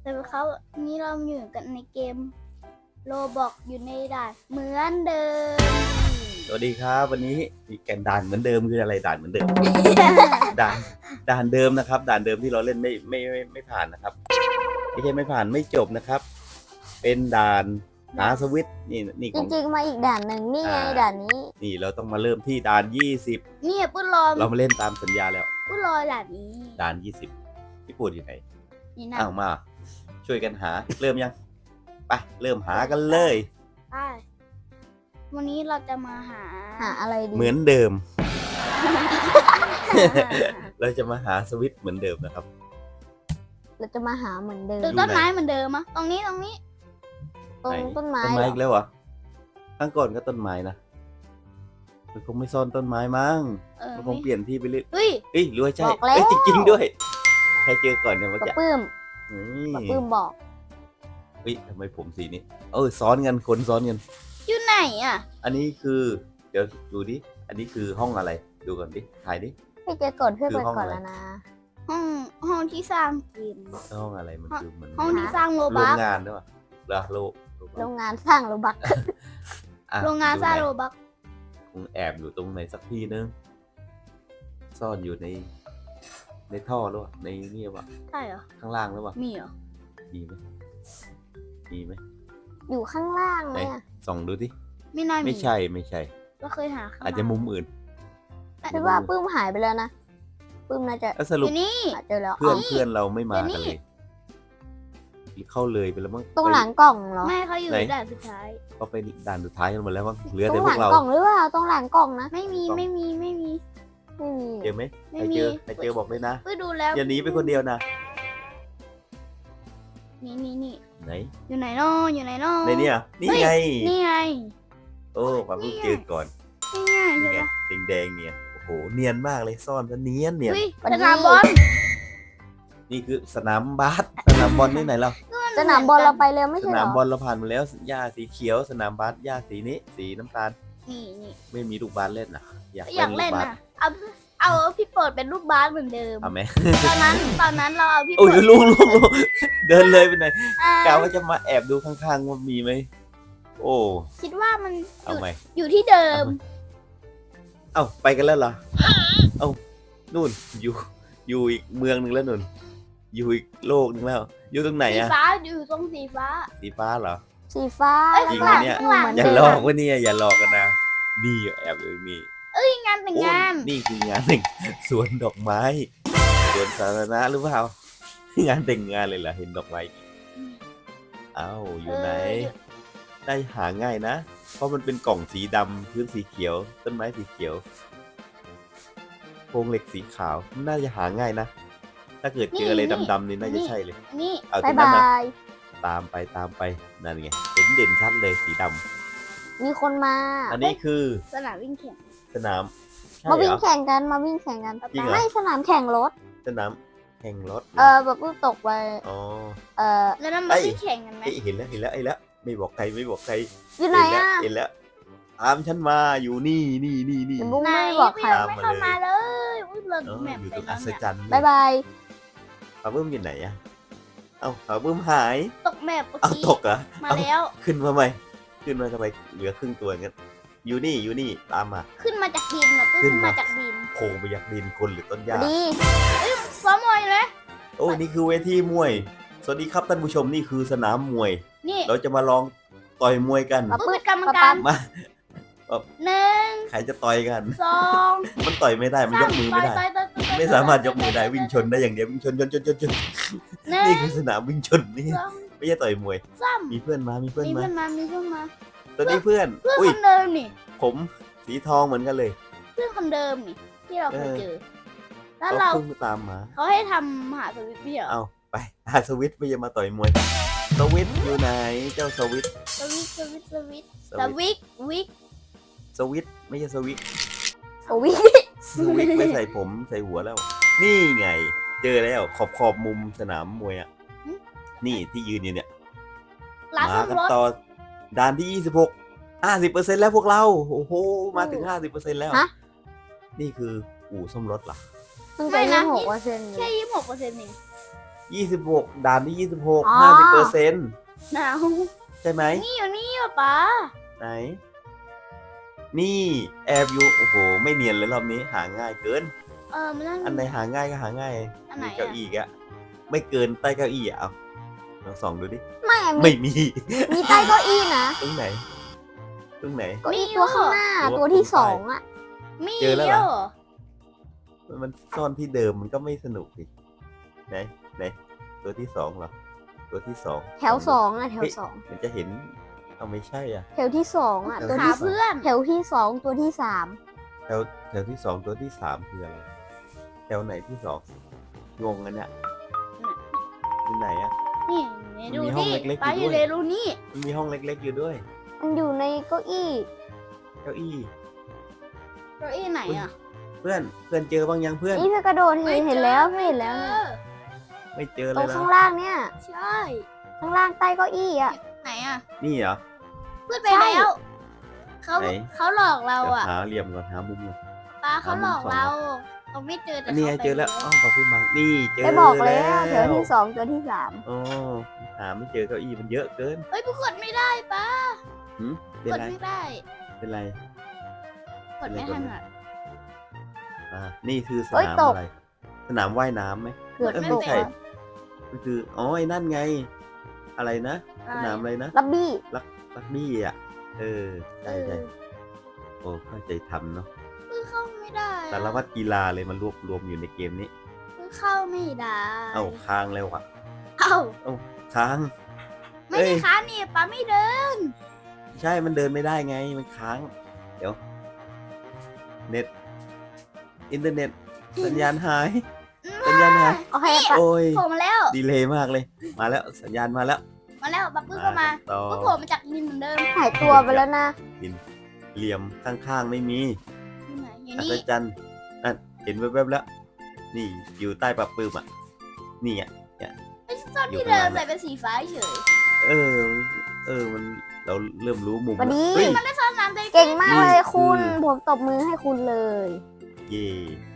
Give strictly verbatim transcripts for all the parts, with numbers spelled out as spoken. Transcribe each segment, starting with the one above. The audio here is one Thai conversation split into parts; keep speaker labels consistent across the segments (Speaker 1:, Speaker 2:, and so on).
Speaker 1: แต่เขานี้เราอยู่กันในเกมโรบอกอยู่ในด่านเหมือนเดิม
Speaker 2: สวัสดีครับวันนี้มีแกนด่านเหมือนเดิมคืออะไรด่านเหมือนเดิม ด่านด่านเดิมนะครับ ด่านเดิมที่เราเล่นไม่ไม่ไม่ไม่ผ่านนะครับไม่ใช่ไม่ผ่านไม่จบนะครับ เป็นด่านหาสวิตช์นี่นี่
Speaker 3: จ
Speaker 2: ของ
Speaker 3: ริงๆมาอีกด่านหนึ่งนี่ไง
Speaker 2: อ่า
Speaker 3: ด่านนี้
Speaker 2: นี่เราต้องมาเริ่มที่ด่านยี่สิบ
Speaker 1: เนี่ยปุ้นรอ
Speaker 2: เรามาเล่นตามสัญญาแล้ว
Speaker 1: ปุ้นรอด่านนี้
Speaker 2: ด่านยี่สิบพี่ปูดอยู่ไหน
Speaker 1: นี่นะ
Speaker 2: อ้าวมา ช่วยกันหาเริ่มยังไปเริ่มหากันเลย
Speaker 1: ใช่วันนี้เราจะมาหา
Speaker 3: หาอะไรดี
Speaker 2: เหมือนเดิม เราจะมาหาสวิตช์เหมือนเดิมนะครับ
Speaker 3: เราจะมาหาเหมือนเดิม
Speaker 1: ตึกต้นไม้เหมือนเดิมอะตรงนี้ตรงนี้
Speaker 3: ตรงต้นไม้
Speaker 2: ต้น
Speaker 3: เหร
Speaker 2: ไม้
Speaker 3: อ
Speaker 2: อีกแล้วเหรอข้างก่อนก็ต้นไม้นะมันคงไม่ซ่อนต้นไม้มั้ง
Speaker 1: เออ
Speaker 2: มันคงเปลี่ยนที่ไปเรื่อย
Speaker 1: เฮ้ย
Speaker 2: เอ้ยรู้ว่าใช่
Speaker 3: บอกแล้ว
Speaker 2: เอ้ยจริงๆด้วยใครเจอก่อนเนี่ยมัน
Speaker 3: ปะ
Speaker 2: จะ
Speaker 3: ปื้ม
Speaker 2: นี่
Speaker 3: ปะปื้มบอก
Speaker 2: เฮ้ยทำไมผมสีนี้เออซ้อนกันคนซ้อนกัน
Speaker 1: อยู่ไหนอะ
Speaker 2: อันนี้คือเดี๋ยวดูดิอันนี้คือห้องอะไรดูก่อนดิถ่ายดิ
Speaker 3: ให้เจอก่อนเพื่อน
Speaker 2: คือ
Speaker 3: ไป
Speaker 2: ห้อง
Speaker 3: ก่อน
Speaker 2: อะไร
Speaker 3: แล้วนะ
Speaker 1: ห้องห้องที่สร้างเกม
Speaker 2: ห้องอะไรมันคือมัน
Speaker 1: ห้องที่สร้างโร
Speaker 2: โร
Speaker 1: บั
Speaker 2: ง
Speaker 1: ก
Speaker 2: งานด้วยป่ะเหรอโลโร
Speaker 3: โรงงานสร้างโรบัก
Speaker 2: อ่ะ
Speaker 1: โรงงานสร้างโร
Speaker 2: ดูไหน
Speaker 1: บัก
Speaker 2: คงแอบอยู่ตรงไหนสักที่นึงซ่อนอยู่ใน ในท่อหรือเปล่าในนี่ป่ะ
Speaker 1: ใช่เหรอ
Speaker 2: ข้างล่างหรือเปล่า
Speaker 1: มีเหรอ
Speaker 2: มีไหมมีไหม
Speaker 3: อยู่ข้างล่าง
Speaker 2: ไหน
Speaker 3: เนี่ย
Speaker 2: ส่องดูดิ
Speaker 1: ไม่น่ามี
Speaker 2: ไม่ใช่ไม่ใช่
Speaker 1: เราเคยหาข้ง
Speaker 2: อาจจะมุมอื่น
Speaker 3: คิดว่าปื้มหายไปแล้วนะปื้มน่าจะ
Speaker 2: แล้วส
Speaker 1: อ
Speaker 2: รุป
Speaker 1: ยู่นี่
Speaker 3: หาเจอแล้ว
Speaker 2: เพื่อน
Speaker 3: อ๋อ
Speaker 2: เพื่อนเราไม่มา
Speaker 1: เดี๋ยวนี้
Speaker 2: กันเลยหรือเข้าเลยไปแล้วมั้ง
Speaker 3: ตรงหลังกล่องเหรอ
Speaker 1: ไม่เขาอยู่
Speaker 2: ไหน
Speaker 1: ด่านสุดท้าย
Speaker 2: เขาไปด่านสุดท้ายกันหมดแล้วมั้งเหลือ
Speaker 3: ตร
Speaker 2: แต่
Speaker 3: ง
Speaker 2: พ
Speaker 3: ห
Speaker 2: ว
Speaker 3: ลั
Speaker 2: ก
Speaker 3: ง
Speaker 2: เรา
Speaker 3: กล่องหรือเปล่าตรงหลังกล่องนะ
Speaker 1: ไม่มีไม่มีไม่มี
Speaker 3: ไม่มี
Speaker 2: เจอไหม
Speaker 1: ไม่
Speaker 2: ใคร
Speaker 1: มี
Speaker 2: เจอใครเจอบอกเลยนะ
Speaker 1: ไปดูแล้ว
Speaker 2: อย่าหนีไปคนเดียวนะ
Speaker 1: นี่นี่นี่
Speaker 2: ไหน
Speaker 1: อยู่ไหนน้ออยู่ไหนน้อ
Speaker 2: ในเนี่ยนี่ไง
Speaker 1: นี่ไง
Speaker 2: โอ้ปาเพิ่งเจอก่อน
Speaker 1: นี่ไง
Speaker 2: นี่
Speaker 1: ใช่
Speaker 2: ไง
Speaker 1: ปะ
Speaker 2: แดงๆเนี่ยโอ้โหเนียนมากเลยซ่อนซะเนียนเนี่ย
Speaker 1: อุ้ยสนามบอล
Speaker 2: นี่คือสนามบาสสนามบอลที่ไหนเรา
Speaker 3: สนามบอลเราไปเร็วไม่
Speaker 2: ส
Speaker 3: ใช่เหร
Speaker 2: นาม
Speaker 3: อบ
Speaker 2: อลเราผ่านมาแล้วหญ้าสีเขียวสนามบาสหญ้าสีนี้ สีน้ำตาล
Speaker 1: นี่นี่
Speaker 2: ไม่มีลูกบาสเล่นนะอยาก
Speaker 1: อยาก
Speaker 2: ลู
Speaker 1: เล่น
Speaker 2: กบาส
Speaker 1: นะเอาเอาพี่โปรดเป็นลูกบาสเหมือนเดิม
Speaker 2: เอาไหม
Speaker 1: ตอนนั้นตอนนั้นเราเอาพี่โป
Speaker 2: โอ้
Speaker 1: ร
Speaker 2: ย
Speaker 1: ด
Speaker 2: ลูกลูกลูกเดินเลยไปไหน
Speaker 1: อ่าก
Speaker 2: ะว่าจะมาแอบดูข้างๆว่ามีไหมโอ้
Speaker 1: คิดว่ามันอ
Speaker 2: เอา
Speaker 1: ยู่
Speaker 2: ไหม
Speaker 1: อยู่ที่เดิม
Speaker 2: เอ้าไปกันแล้วเหรอเอ้านู่นอยู่อยู่อีกเมืองหนึ่งแล้วนู่นอยู่อีกโลกหนึ่งแล้ว อยู่ตรงไหน
Speaker 1: สี
Speaker 2: อะ
Speaker 1: ฟ้าอยู่ตรงสีฟ้า
Speaker 2: สีฟ้าเหรอ
Speaker 3: สีฟ้า
Speaker 1: เอ้ย
Speaker 2: จริง
Speaker 3: ข้าง
Speaker 2: ไหม
Speaker 3: หลัง
Speaker 2: เนี่ย
Speaker 3: อยู่เหมือน
Speaker 2: อย่า
Speaker 3: เดิ
Speaker 2: หล
Speaker 3: ม
Speaker 2: อกว่าเนี่ยอย่าหลอกกันนะนี่แอบเลยนี่
Speaker 1: ที่งานแต่ง
Speaker 2: โอ้
Speaker 1: งาน
Speaker 2: นี่คืองานแต่งสวนดอกไม้สวนสาธารณะหรือเปล่างานแต่งงานเลยเหรอเห็นดอกไม้เอ้าอยู่ไหน ได้หาง่ายนะ เพราะมันเป็นกล่องสีดำพื้นสีเขียว ต้นไม้สีเขียวโครงเหล็กสีขาวน่าจะหาง่ายนะ ถ้าเกิดเจออะไรดำๆนี่น่าจะใช่เลย
Speaker 1: นี่
Speaker 2: เอาตร
Speaker 3: บาย
Speaker 2: งนั้น
Speaker 3: บา
Speaker 2: นะ
Speaker 3: ย
Speaker 2: ตามไปตามไปนั่นไงเห็นเด่นชัดเลยสีดำ
Speaker 3: มีคนมา
Speaker 2: อันนี้คือ
Speaker 1: สนามวิ่งแข่ง
Speaker 2: สนามใช่
Speaker 3: มา
Speaker 2: เหร
Speaker 3: วิ่ง
Speaker 2: อ
Speaker 3: แข่งกันมาวิ่งแข่งกัน
Speaker 2: จริงเหรอ
Speaker 3: ไม่สนามแข่งรถ
Speaker 2: สนามแข่งรถหร
Speaker 3: เออแบบปื้มตกไป
Speaker 2: อ๋อ
Speaker 3: เออ
Speaker 1: แล้วนั่นมาวิ่งแข่งกันไหม
Speaker 2: เอ้ยเห็นแล้วเห็นแล้วไอ้แล้วไม่บอกใครไม่บอกใคร
Speaker 3: อยู่ไหน
Speaker 2: เห็นแล้ว
Speaker 3: อ่ะ
Speaker 2: เห็นแล้วตามฉันมาอยู่นี่นี่นี่นี่
Speaker 3: เดี๋ยวบุ้ง
Speaker 1: ไหน
Speaker 3: ไม่บอกใคร
Speaker 1: ยังไม่เข้ามาเลยอุ้ยเรา
Speaker 2: เออ
Speaker 1: แมป
Speaker 2: อยู่
Speaker 1: ไป
Speaker 2: ตรง
Speaker 1: แล้
Speaker 2: อั
Speaker 1: ว
Speaker 2: ศ
Speaker 1: เนี่ย
Speaker 2: จรรย์
Speaker 3: บายบาย
Speaker 2: ปลาเบิ้มอยู่ไหนอะเอ้าปลาเบิ้มหาย
Speaker 1: ตกแมปเมื่อ
Speaker 2: เอา
Speaker 1: กี้
Speaker 2: ตกเหรอ
Speaker 1: มา
Speaker 2: เอ้า
Speaker 1: แล้ว
Speaker 2: ขึ้นมาไหมขึ้นมาทำไมเหลือครึ่งตัวงั้นอยู่นี่อยู่นี่ตามมา
Speaker 1: ขึ้นมาจากดินอ่ะ
Speaker 2: ขึ้
Speaker 1: ขึ้
Speaker 2: น
Speaker 1: น
Speaker 2: มา
Speaker 1: มาจากดิน
Speaker 2: โผล่ไปอยากดินคนหรือต้นหญ้า
Speaker 3: ดี
Speaker 1: ซ้อมมวยเลย
Speaker 2: โอ้นี่คือเวทีมวย สวัสดีครับท่านผู้ชมนี่คือสนามมวย
Speaker 1: นี่
Speaker 2: เราจะมาลองต่อยมวยกัน
Speaker 3: ปะ
Speaker 1: ผู้
Speaker 3: ปื้
Speaker 1: เป็นกรรม
Speaker 3: ปะ
Speaker 1: การ
Speaker 3: ปั๊ม
Speaker 2: มา
Speaker 1: หนึ่ง
Speaker 2: ใครจะต่อยกัน
Speaker 1: สอง
Speaker 2: มันต่อยไม่ได้มันยกมือไม่ได้
Speaker 1: ต่อยต่อยต่อยต่อย
Speaker 2: ไม่สามารถยกมือได้วิ่งชนได้อย่างเดียววิ่งชนชนชนชนชน
Speaker 1: หนึ่
Speaker 2: นี่
Speaker 1: ง
Speaker 2: คือสนามวิ่งชนนี่
Speaker 1: สอง
Speaker 2: ไม่ใช่ต่อยมวย
Speaker 1: สาม
Speaker 2: มีเพื่อนมามีเพื่อน
Speaker 1: มี
Speaker 2: มา
Speaker 1: เพื่อนมามีเพื่อนมา
Speaker 2: ตอนนี้เพื่อน
Speaker 1: เพื่อน
Speaker 2: อุ้ย
Speaker 1: คนเดิมนี่
Speaker 2: ผมสีทองเหมือนกันเลย
Speaker 1: เพื่อนคนเดิมนี่ที่เราเคย
Speaker 2: เออ
Speaker 1: เจอ แล้ว
Speaker 2: เขา
Speaker 1: เรา
Speaker 2: เพิ่งตามมา
Speaker 1: เขาให้ทำมหาสวิตพี่เหรอ
Speaker 2: เอาไปหาสวิตช์ไม่ใช่มาต่อยมวยสวิตช์อยู่ไหนเจ้าสวิตช์
Speaker 1: สวิตสวิตสวิต
Speaker 2: ส
Speaker 1: ส
Speaker 2: วิตช์
Speaker 1: วิตวิก
Speaker 2: สวิตช์ไม่ใช่สวิตช์
Speaker 3: โอ้วิ
Speaker 2: สวิตช์ไม่ใส่ผมใส่หัวแล้ว นี่ไง เจอแล้วขอบขอบมุมสนามมวยอ่ะนี่ที่ยืนอยู่เนี่ย
Speaker 1: ร้าน
Speaker 2: มา
Speaker 1: ซ่อม
Speaker 2: กัน
Speaker 1: รถ
Speaker 2: ต่อด่านที่ยี่สิบหก ห้าสิบเปอร์เซ็นต์แล้วพวกเราโอ้โหมาถึงห้าสิบเปอร์เซ็นต์แล้ว
Speaker 3: ฮะ
Speaker 2: นี่คืออู่ซ่อมรถเหรอ
Speaker 3: เพิ่งจะยี่สิบหกเปอร์เซ็นต์
Speaker 1: แค่ยี่สิบหกเปอร์เซ็นต์เอง
Speaker 2: ยี่สิบหกด่านที่ยี่สิบหกห้าสิบเปอร์เซ็นต์
Speaker 1: หนาว
Speaker 2: ใช่ไหม
Speaker 1: นี่อยู่นี่อ่ะป๊า
Speaker 2: ไหน นี่แอบอยู่โอ้โหไม่เนียนเลยรอบนี้หาง่ายเกิน
Speaker 1: เออมันนั่น
Speaker 2: อันไหนหาง่ายก็หาง่าย
Speaker 1: อันไหน
Speaker 2: มี
Speaker 1: อะ
Speaker 2: เก้าอี้อะไม่เกินใต้เก้าอี้อะเอาลองส่องดูดิ
Speaker 3: ไม่อะมี
Speaker 2: ไม่มี
Speaker 3: มีใต้เก้าอี้นะ
Speaker 2: ตรงไหน ตรงไหน
Speaker 3: เก้าอี้ตัวข้างหน้า
Speaker 2: ตัว
Speaker 3: ตัวที่
Speaker 2: ตัว
Speaker 3: สองอ่ะ
Speaker 1: มี
Speaker 2: เจอแล้วเหรอ
Speaker 1: เยอะ
Speaker 2: มันซ่อนที่เดิมมันก็ไม่สนุกดิไหนไหนตัวที่สองเหรอตัวที่สอง
Speaker 3: แถวสองอ่ะแถวสอง
Speaker 2: มันจะเห็นเอาไม่ใช่อ่ะ
Speaker 3: แถวที่สองอ่ะ
Speaker 2: แถว
Speaker 3: ตัว
Speaker 1: หา
Speaker 3: ที่
Speaker 1: เพื่อน
Speaker 3: แถวที่สองตัวที่สาม
Speaker 2: แถวแถวที่สองตัวที่สามคืออะไรแถวไหนที่สองงงกันเนี่ยที่ไหนอ่ะ
Speaker 1: นี่ดู
Speaker 2: มีห้อง
Speaker 1: นี่
Speaker 2: เล็กๆ
Speaker 1: ป๊า
Speaker 2: อ
Speaker 1: อยู่ ยู่
Speaker 2: ด้วย
Speaker 1: ในรูนี่
Speaker 2: มันมีห้องเล็กๆอยู่ด้วย
Speaker 3: มันอยู่ในเก้าอี้
Speaker 2: เก้าอี้
Speaker 1: เก้าอี้ไหนอ่ะ
Speaker 2: เพื่อนเพื่อนเจอบ้างยังเพื่อน
Speaker 3: นี่เพื่อกระโดดเห็นเห็นแล้วเพื่อนเห็นแล้ว
Speaker 1: เจ
Speaker 3: เนี่ย
Speaker 1: อ
Speaker 2: ไม่เจอ
Speaker 3: ต
Speaker 2: เล
Speaker 3: รง
Speaker 2: ยนะ
Speaker 3: ข้างล่างเนี่ย
Speaker 1: ใช่
Speaker 3: ข้างล่างใต้เก้าอี้อ่ะ
Speaker 1: ไหนอ่ะ
Speaker 2: นี่เหรอ
Speaker 1: เพื่อนไปแล้วเขา
Speaker 2: ไหน
Speaker 1: เขาหลอกเรา
Speaker 2: เดี๋ยว
Speaker 1: อ่ะ
Speaker 2: หาเหลี่ยมก่อนหามุมก่อน
Speaker 1: ป้าเขาหลอก
Speaker 2: หามุมสอง
Speaker 1: เราเราไม่เจอแต่
Speaker 2: อันนี้ไง
Speaker 1: ขาไป
Speaker 2: เจอแล้วอ๋อขอบคุณมากนี่เจอ
Speaker 3: ได้บอกแล้วแถวที่สองตัวที่สาม
Speaker 2: อ๋อหาไม่เจอเก้าอี้มันเยอะเกิน
Speaker 1: เฮ้ยกูกดไม่ได้ป้า
Speaker 2: หืมเป็น
Speaker 1: กด
Speaker 2: ไร
Speaker 1: ไม่ได้
Speaker 2: เป็นไร
Speaker 1: กดไม่ทันอ่ะ
Speaker 2: อ่านี่คือส
Speaker 3: เอ้ย
Speaker 2: นาม
Speaker 3: ตก
Speaker 2: อะไร สนามว่ายน้ำไหม
Speaker 3: เกือบ
Speaker 2: เออ
Speaker 3: ต
Speaker 2: ไม่
Speaker 3: ก
Speaker 2: ใช่
Speaker 3: แล้ว
Speaker 2: มันคือ อ๋อ ไอ้นั่นไง อะไรนะ สนามอะไรนะ
Speaker 3: ลับบี้
Speaker 2: รักบี้อ่ะ เออ ใช่ใช่โอ้เข้าใจทำเนาะ
Speaker 1: เพิ่งเข้าไม่ได้อะ
Speaker 2: สารวัตรกีฬาเลยมันรวบรวมอยู่ในเกมนี้
Speaker 1: เพิ่งเข้าไม่ได้
Speaker 2: เอ้าค้างแล้วอ่ะ
Speaker 1: เอ้า
Speaker 2: ค้าง
Speaker 1: ไม่
Speaker 2: เอ้
Speaker 1: ได้
Speaker 2: ย
Speaker 1: ค้านี่ป้าไม่เดิน
Speaker 2: ใช่มันเดินไม่ได้ไง มันค้าง เดี๋ยว เน็ต อินเทอร์เน็ต สัญญาณหาย สัญญาณหาย
Speaker 3: โอเคปะ
Speaker 2: โอ้ย
Speaker 1: โผล่มาแล้ว
Speaker 2: ดีเลยมากเลย มาแล้ว สัญญาณมาแล้ว
Speaker 1: มาแล้วป้าปื้มก็มา
Speaker 2: ต่อ
Speaker 1: ก็โผล่มาจากดินเหมือนเดิม
Speaker 3: หายตัวไปแล้วนะ
Speaker 2: เหลี่ยมข้างๆไม่มี
Speaker 1: อยู่ไหนอยู่
Speaker 2: อั
Speaker 1: นี่
Speaker 2: ศจรรย์นั่นเห็นแวบๆแล้ว นี่อยู่ใต้ปรับปื้มอ่ะ นี่อ่ะ
Speaker 1: ไอ้ซ่อน
Speaker 2: อยู่
Speaker 1: ที่
Speaker 2: ข้าง
Speaker 1: เดิ
Speaker 2: ล่าม ง
Speaker 1: แต่เป็นสีฟ้าเฉย
Speaker 2: เออ เออ มันเราเริ่มรู้มุม
Speaker 3: วันนี้
Speaker 2: เฮ้ย
Speaker 1: มันได้ซ่อนน้ำได้
Speaker 3: เก่งมากเลย
Speaker 2: นี่
Speaker 3: คุณ
Speaker 2: คือ
Speaker 3: ผมตบมือให้คุณเลย
Speaker 2: เย่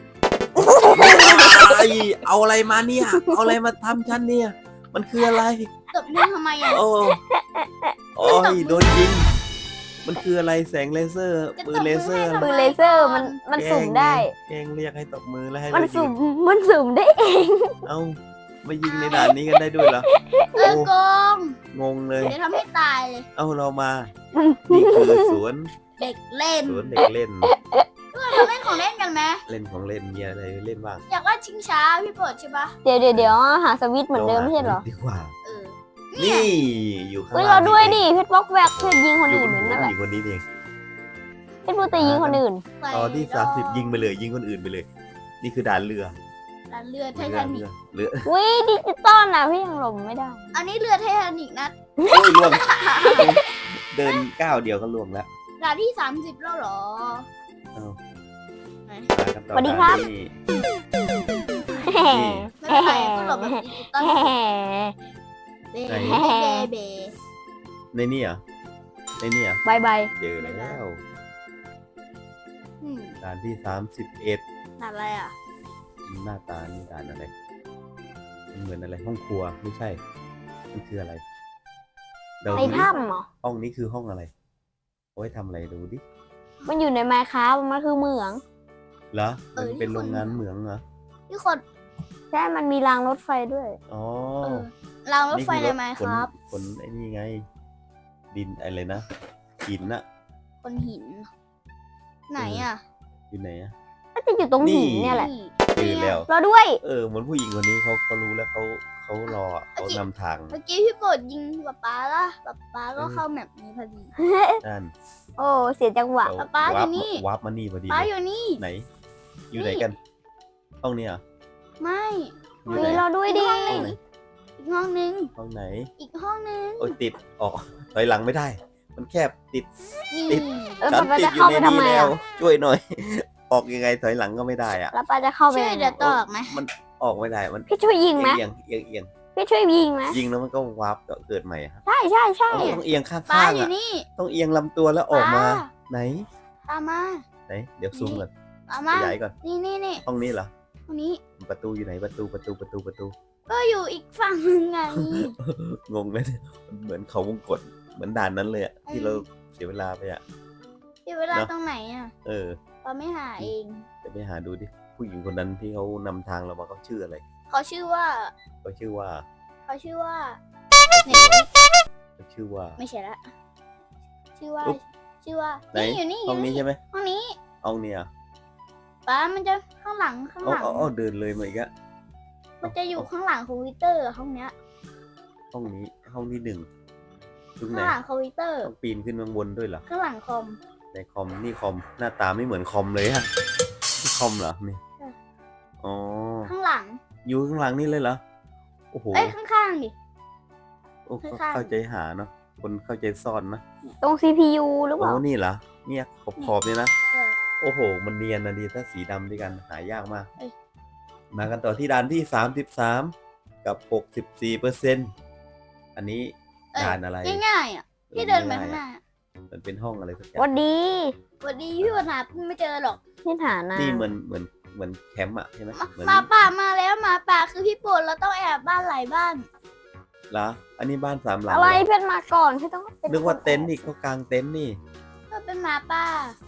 Speaker 2: ไอเอาอะไรมาเนี่ย เอาอะไรมาทำฉันเนี่ย มันคืออะไร
Speaker 1: ตบมือทำไมอ่ะ
Speaker 2: โอ้โอ้ยโดนยิง มันคืออะไรแสงเลเซอร์ ปืนเลเซอร์
Speaker 1: จะตบ
Speaker 3: ปื
Speaker 1: มื
Speaker 3: น
Speaker 1: อ
Speaker 3: เลเซอร์มันมันสุ่มได้
Speaker 2: แกล้งเรียกให้ตบมือแล้วให้
Speaker 3: มัน
Speaker 2: เรายิ
Speaker 3: สุ่
Speaker 2: ง
Speaker 3: มมันสุ่มได้เอง
Speaker 2: เอ้ามายิงในด่านนี้กันได้ด้วยเหรอ
Speaker 1: เออโกง
Speaker 2: งงเลย
Speaker 1: เดี๋ยวทำให้ตายเลย
Speaker 2: เอ้าเรามา นี่คือสวน
Speaker 1: เด็กเล่น
Speaker 2: สวนเด็กเล่น
Speaker 1: เราเล่นของเล่นกันไหม
Speaker 2: เล่นของเล่นมีอะไรเล่นบ้าง
Speaker 1: อยากว่าชิงช้าพี่โปรดใช่ปะ
Speaker 3: เดี๋ยวเดี๋ยวเดี๋ยวหาสวิตช์เหมือนเดิมไม่ใช่เหรอ
Speaker 2: ดีกว่า
Speaker 1: เออ
Speaker 2: นี่อยู่ข้าง
Speaker 3: เฮ้ย
Speaker 2: ล่า
Speaker 3: เรา
Speaker 2: ง
Speaker 3: ด้วย
Speaker 2: นี่
Speaker 3: ดิเพชรบล็อกแวกเพชรยิงคน
Speaker 2: อยู่
Speaker 3: อื่น
Speaker 2: บนหัว
Speaker 3: นั่นแหละ
Speaker 2: ผู้หญิงคนนี้เอง
Speaker 3: เพชรพูดแต่ยิงคนอื่น
Speaker 1: ไป
Speaker 2: ตอนที่
Speaker 1: ด
Speaker 2: สามสิบยิงไปเลยยิงคนอื่นไปเลย นี่คือด่านเรือ
Speaker 1: ร้านเรือไท
Speaker 2: เรือ
Speaker 1: ทานิ
Speaker 2: เรื
Speaker 1: ก
Speaker 2: อเรือ
Speaker 3: วิดิจิตอลนะพี่ยังหลบไม่ได้
Speaker 1: อันนี้เรือไททานิกนะ
Speaker 2: โอ้ยล่วง เดินก้าวเดียวก็ล่วงแล้ว
Speaker 1: ร้านที่สามสิบแล้วเหรอ
Speaker 2: เอ้า
Speaker 1: ไหน
Speaker 2: มากันต่อ
Speaker 3: สวัสดีครับ
Speaker 2: นี่
Speaker 3: แหม
Speaker 1: ไม่เป็นไรก็หลบแบบดิจิตอล
Speaker 3: แหม
Speaker 1: เบ
Speaker 2: ไหน
Speaker 1: เบเบ
Speaker 2: ในนี่เหรอในนี่เหรอบ
Speaker 3: ายบาย
Speaker 2: เจอแล้ว
Speaker 1: อืม
Speaker 2: ด่านที่สามสิบเอ็ด
Speaker 1: อะไรอ่ะ
Speaker 2: หน้าตานี่ด่านอะไรมันเหมือนอะไรห้องครัวไม่ใช่มันคืออะไรเดี๋ยว
Speaker 3: ใน
Speaker 2: ดูดิ
Speaker 3: ถ้ำเหรอ
Speaker 2: ห้องนี้คือห้องอะไรโอ้ยทำอะไรดูดิ
Speaker 3: มันอยู่ในไมค์ครับมันคือเหมือง
Speaker 2: เหรอมันเป็นโรงงานเหมืองเหรอ
Speaker 1: ที่คน
Speaker 3: ใช่มันมีรางรถไฟด้วย
Speaker 2: อ๋อ
Speaker 1: เออรางรถไฟเลยไหม
Speaker 2: ขน
Speaker 1: ครับ
Speaker 2: ขนไอ้นี่ไง ดินอะไรนะหินน่ะ
Speaker 1: คนหิน ไหนอ่ะ
Speaker 2: อยู่ไหนอะ
Speaker 3: ก็จะอยู่ตรงหินเนี่ยแหละ
Speaker 2: เจอแล้ว
Speaker 3: รอด้วย
Speaker 2: เออเหมือนผู้หญิงคนนี้เขาเขารู้แล้วเขาเขารอเขานำทาง
Speaker 1: เมื่อกี้พี่โปรดยิงป๊าป๊าละป๊าป๊าก็เข้าแมปนี้พอดี
Speaker 2: นั่น
Speaker 3: โอ้เสียจังหวะ
Speaker 2: เดี๋ยว
Speaker 1: ป๊าอยู่
Speaker 2: วาร์ป
Speaker 1: นี่
Speaker 2: วาร์ปมานี่พอดี
Speaker 1: ป๊า
Speaker 2: เลย
Speaker 1: อยู่นี่
Speaker 2: ไหน อยู่ไหนกัน ห้องนี้เหรอ
Speaker 1: ไม่
Speaker 2: อยู่
Speaker 3: มี
Speaker 2: ไหน
Speaker 3: รอด้วยดิ
Speaker 1: ห้องไหน อีกห้องนึง
Speaker 2: ห้องไหน
Speaker 1: อีกห้องนึง
Speaker 2: โอ้ยติดออกถอยหลังไม่ได้ มันแคบติด
Speaker 1: นี่
Speaker 2: ติด
Speaker 3: เออ
Speaker 2: ฉัน
Speaker 3: ป้า
Speaker 2: ติด
Speaker 3: จะ
Speaker 2: อยู่
Speaker 3: เข้า
Speaker 2: ใน
Speaker 3: ไปทำ
Speaker 2: นี้
Speaker 3: ไม
Speaker 2: แล้ว
Speaker 3: อ่ะ
Speaker 2: ช่วยหน่อย ออกยังไงถอยหลังก็ไม่ได้อะ
Speaker 3: แล้วป้าจะเข้าไป
Speaker 1: ช่วย
Speaker 3: ยังไง
Speaker 1: เดี๋ยวตอกไหม
Speaker 2: มันออกไม่ได้มัน
Speaker 3: พี่ช่วยยิงไหม
Speaker 2: เอียงเอียงเอียง
Speaker 3: พี่ช่วยยิงไหม
Speaker 2: ยิงแล้วมันก็วาร์ปก็เกิดใหม่ครับ
Speaker 3: ใช่ใช่ใช่
Speaker 2: ต้องเอียงข้าง
Speaker 1: ป๊า
Speaker 2: ๆ
Speaker 1: อยู่
Speaker 2: อ่ะ
Speaker 1: นี่
Speaker 2: ต้องเอียงลำตัวแล้วออกมา
Speaker 1: ป๊า
Speaker 2: ไหน
Speaker 1: ตามมา
Speaker 2: ไหน เดี๋ยวซูมก่อน
Speaker 1: ตาม
Speaker 2: ข
Speaker 1: มาย
Speaker 2: ายก่อน
Speaker 1: นี่นี่นี่
Speaker 2: ห้องนี้เหรอ
Speaker 1: ห้องนี้
Speaker 2: ประตูอยู่ไหนประตูประตูประตูประตู
Speaker 1: ก็อยู่อีกฝั่งหนึ่งไง
Speaker 2: งงเลยมันเหมือนเขาวงกตเหมือนด่านนั้นเลยอะที่เราเสียเวลาไปอะ
Speaker 1: เดี๋ยวเวลา
Speaker 2: เนอะ
Speaker 1: ตรงไหนอ่ะ
Speaker 2: เออ
Speaker 1: เราไม่หาเอง
Speaker 2: จะไปหาดูดิผู้หญิงคนนั้นที่เขานำทางเรามาเขาชื่ออะไร
Speaker 1: เขาชื่อว่า
Speaker 2: เขาชื่อว่า
Speaker 1: เขาชื่อว่า
Speaker 2: เขาชื่อว่า
Speaker 1: ไม่ใช่ละ ชื่อว่า
Speaker 2: อุ๊บ
Speaker 1: ชื่อว่า
Speaker 2: ไหน
Speaker 1: นี่อยู่นี่อ
Speaker 2: ห้อง
Speaker 1: ยู่
Speaker 2: นี้
Speaker 1: นี่
Speaker 2: ใช่ไหม
Speaker 1: ห้องนี้
Speaker 2: ห้องเนี้ย
Speaker 1: ป้ามันจะข้างหลังข้าง
Speaker 2: อ๋อ
Speaker 1: หลัง
Speaker 2: อ๋ออ๋อเดินเลยมาอีกอะ
Speaker 1: มันจะอยู่ข้างหลังคอมพิวเตอร์ห้องเนี้ย
Speaker 2: ห้องนี้ห้องที่หนึ่งตรงไหน
Speaker 1: ข้างหลังคอมพิวเตอร์
Speaker 2: ต้องปีนขึ้นข้างบนด้วยเหรอ
Speaker 1: ข้างหลังคอม
Speaker 2: ในคอมนี่คอมหน้าตาไม่เหมือนคอมเลยฮะนี่คอมเหรอนี่
Speaker 1: ใช่
Speaker 2: อ๋อ
Speaker 1: ข้างหลัง
Speaker 2: อยู่ข้างหลังนี่เลยเหรอโอ้โห
Speaker 1: เอ้ยข้างๆดิ
Speaker 2: โอ้
Speaker 1: ข้างๆ
Speaker 2: เข้าใจหาเนาะคนเข้าใจซ่อนนะ
Speaker 3: ตรง ซี พี ยู หรือเป
Speaker 2: โอ้
Speaker 3: ล่า
Speaker 2: นี่เหรอเนี่ยขอบขอบเนี่ยนะ
Speaker 1: เออ
Speaker 2: โอ้โห มันเนียนนะดีถ้าสีดำด้วยกันหายากมาก
Speaker 1: เอ้ย
Speaker 2: มากันต่อที่ด่านที่สามสิบสามกับหกสิบสี่เปอร์เซ็นต์อันนี้
Speaker 1: เอ้ย
Speaker 2: ด่านอะไร
Speaker 1: ง่ายๆอ่ะพี่เดินไปข้างหน้า
Speaker 2: มันเป็นห้องอะไรสักอย่า
Speaker 3: วั
Speaker 2: ง
Speaker 3: นดี
Speaker 1: สวัสดีพี่ปัญหาไม่เจอหรอก
Speaker 3: ที่ฐานะ
Speaker 2: นี่เหมือนเหมือนเหมือนแคมป์อะใช่ไหม
Speaker 1: มา
Speaker 2: เหมือน
Speaker 1: หมาป่ามาแล้วหมาป่าคือพี่โปรดเราต้องแอบบ้านหลายบ้าน
Speaker 2: เหรออันนี้บ้านสามหลัง
Speaker 3: อะไร
Speaker 2: เหรอ
Speaker 3: เพื่อนมาก่อนพี่ต้องเป็
Speaker 2: นึกว่าเต็นท์อีกเขากางเต็นท์นี่
Speaker 1: ก็เป็นหมาป่าก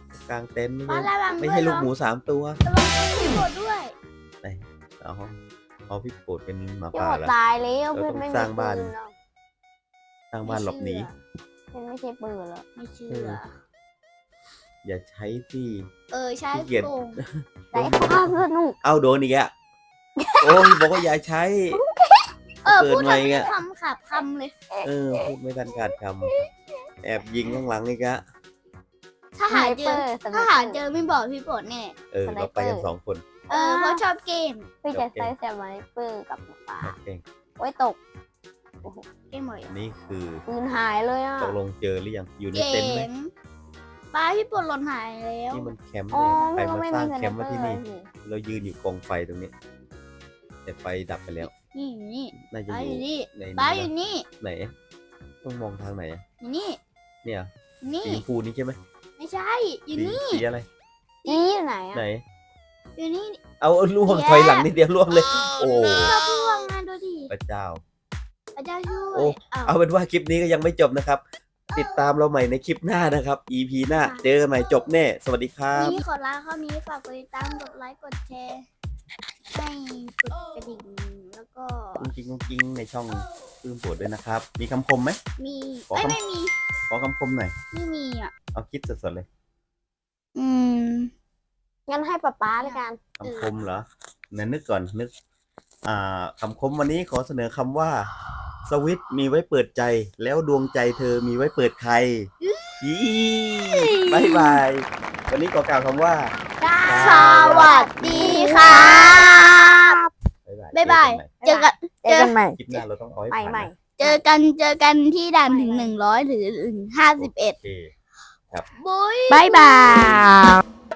Speaker 2: างเต็นท์ไม่
Speaker 1: บ้าน
Speaker 2: ใช่
Speaker 1: ระวัง
Speaker 2: ไม่
Speaker 1: ด้วย
Speaker 2: ใช่ลูก
Speaker 1: เนาะ
Speaker 2: หมูสามตัว
Speaker 1: ระวังพี่โปรดด้วย
Speaker 2: ไหนเอาห้องเอาพี่โปรดเป็นหมา
Speaker 3: พี่
Speaker 2: ป่า
Speaker 3: หมด
Speaker 2: เหรอ
Speaker 3: ตายแล้ว
Speaker 2: เรา
Speaker 3: เพื่อน
Speaker 2: ต้อง
Speaker 3: ไม่มี
Speaker 2: สร้างบ้าน
Speaker 3: ปืนหรอก
Speaker 2: สร้างบ้านหลบหนี
Speaker 3: เพื่อนไม่ใช่ปืนหรอก
Speaker 1: ไม่เชื่
Speaker 2: เอ
Speaker 1: อ
Speaker 2: อ อย่าใช้ที่
Speaker 1: เออใช่
Speaker 2: ขี้เกียจ
Speaker 1: โกง
Speaker 3: แต่ความสนุก
Speaker 2: เอาโดนอีกอะโอ้ยบอกว่าอย่าใช้
Speaker 1: เออ
Speaker 2: เกิด
Speaker 1: พูด
Speaker 2: ใหม่
Speaker 1: ทำ
Speaker 2: อะ
Speaker 1: คำขับคำเลย
Speaker 2: เออพูดไม่ทันขาดคำแอบยิงข้างหลังอีกอะ
Speaker 1: ถ้าหาเจอ
Speaker 3: สไนเปอร์
Speaker 1: ถ้าหาเจอไม่บอกพี่โปรดแน่
Speaker 2: เออเราไปกันสองคน
Speaker 1: เออเพราะชอบเกม
Speaker 3: พี่จะใช้สไนเปอร์กับหมาป่า
Speaker 2: เก่ง
Speaker 3: โอ้ยตก
Speaker 1: เกมหมด
Speaker 2: อันนี้คือ
Speaker 3: ปืนหายเลยอ่ะ
Speaker 2: ตกลงเจอหรือยังอยู่ใน
Speaker 1: เก
Speaker 2: เต็นท์ไหม
Speaker 1: มป้าพี่โปรดหล่นหายแล้ว
Speaker 2: นี่มันแคมป์
Speaker 3: อ๋อ
Speaker 2: เลยใคร
Speaker 3: พี่ก็
Speaker 2: มา
Speaker 3: ไม่
Speaker 2: ส
Speaker 3: มี
Speaker 2: ร้าง
Speaker 3: ส
Speaker 2: แค
Speaker 3: ไน
Speaker 2: มป์
Speaker 3: เปอ
Speaker 2: ไว้
Speaker 3: ร์
Speaker 2: ที่
Speaker 3: เล
Speaker 2: นี่
Speaker 3: ยสิ
Speaker 2: เรายืนอยู่กองไฟตรงนี้ แต่ไฟดับไปแล้ว
Speaker 1: นี่อยู่นี่
Speaker 2: น่าจะ
Speaker 1: ป้า
Speaker 2: อ
Speaker 1: อยู่ ยู่นี่
Speaker 2: ใน
Speaker 1: ป้า
Speaker 2: นี้
Speaker 1: อยู่
Speaker 2: นะ
Speaker 1: นี่
Speaker 2: ไหน ต้องมองทางไหนอะ
Speaker 1: อยู่นี่
Speaker 2: เนี่ย
Speaker 1: นี่
Speaker 2: สีชมพูนี่ใช่ไหม
Speaker 1: ไม่ใช่อยู่
Speaker 2: สี
Speaker 1: นี่
Speaker 2: สีอะไร
Speaker 3: นี่อยู่ไหนอ่ะ
Speaker 2: ไหน
Speaker 1: อยู่นี่
Speaker 2: เอาล่วง
Speaker 1: แย่
Speaker 2: ถอยหลังนิดเดียวล่วงเลย โอ้
Speaker 1: ชอบพ่วงงานดูดิ
Speaker 2: พระเจ้า
Speaker 1: พระเจ้าช่ว
Speaker 2: โอ้
Speaker 1: ยอ้าว
Speaker 2: เอาเป็นว่าคลิปนี้ก็ยังไม่จบนะครับ ติดตามเราใหม่ในคลิปหน้านะครับ อี พี หน้า เจอกันใหม่จบแน่ สวัสดีครับ
Speaker 1: นี่ขอลาข้อนี้ฝากกดติดตามกดไลค์กดแชร์ให้กดกระดิ่งแล้วก็
Speaker 2: กุ้งกิ้งกุ้งกิ้งในช่องปื้มโปรดด้วยนะครับ มีคำคมไหม
Speaker 1: มี
Speaker 2: ขอ
Speaker 1: เอ้ย
Speaker 2: คำ
Speaker 1: ไม่มี
Speaker 2: ขอคำคมหน่อย
Speaker 1: ไม่มีอ่ะ
Speaker 2: เอาคิดสดๆเลย
Speaker 1: อืม
Speaker 3: งั้นให้ป๊าป๊าด้วยกัน
Speaker 2: คำคมเหรอไหนนึกก่อนนึก อ่าคำคมวันนี้ขอเสนอคำว่า สวิตช์มีไว้เปิดใจ แล้วดวงใจเธอมีไว้เปิดใครยี่บายบาย วันนี้ขอกล่าวคำว่า
Speaker 1: สวัสดีครับ
Speaker 2: บ๊ายบาย
Speaker 1: บ๊ายบาย
Speaker 2: เจอกัน
Speaker 1: เจอ
Speaker 3: เจอกันใหม่
Speaker 2: คลิปหน้าเราต้องเอาให้
Speaker 3: ใหม่
Speaker 2: ผ่าน
Speaker 3: ใหม่
Speaker 2: นะ
Speaker 1: เจอกันเจอกันที่ด่านถึงหนึ่งร้อยหรือถึงห้าสิบเอ็ด
Speaker 2: โอเค
Speaker 1: บุ้ย
Speaker 3: บายบาย